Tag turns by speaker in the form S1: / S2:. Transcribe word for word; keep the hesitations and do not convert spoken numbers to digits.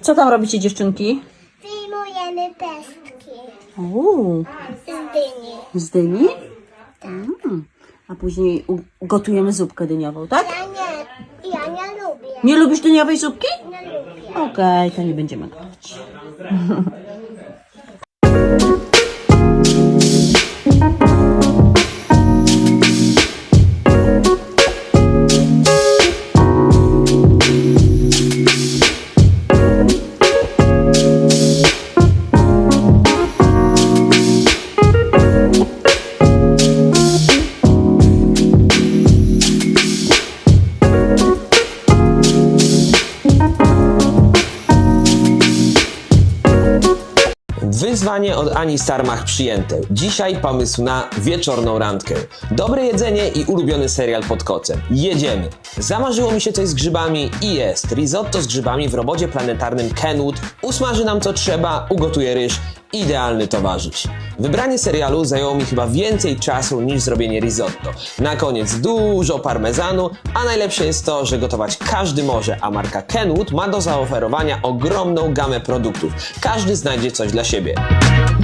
S1: Co tam robicie, dziewczynki?
S2: Wyjmujemy pestki
S1: Uuu,
S2: z dyni.
S1: z dyni? Mm. A później u- gotujemy zupkę dyniową, tak?
S2: Ja nie, ja nie lubię.
S1: Nie lubisz dyniowej zupki?
S2: Nie lubię.
S1: Okej, to nie będziemy gotować.
S3: Wyzwanie od Ani Starmach przyjęte. Dzisiaj pomysł na wieczorną randkę. Dobre jedzenie i ulubiony serial pod kocem. Jedziemy. Zamarzyło mi się coś z grzybami i jest. Risotto z grzybami w robocie planetarnym Kenwood. Usmaży nam co trzeba, ugotuje ryż. Idealny towarzysz. Wybranie serialu zajęło mi chyba więcej czasu niż zrobienie risotto. Na koniec dużo parmezanu, a najlepsze jest to, że gotować każdy może, a marka Kenwood ma do zaoferowania ogromną gamę produktów. Każdy znajdzie coś dla siebie.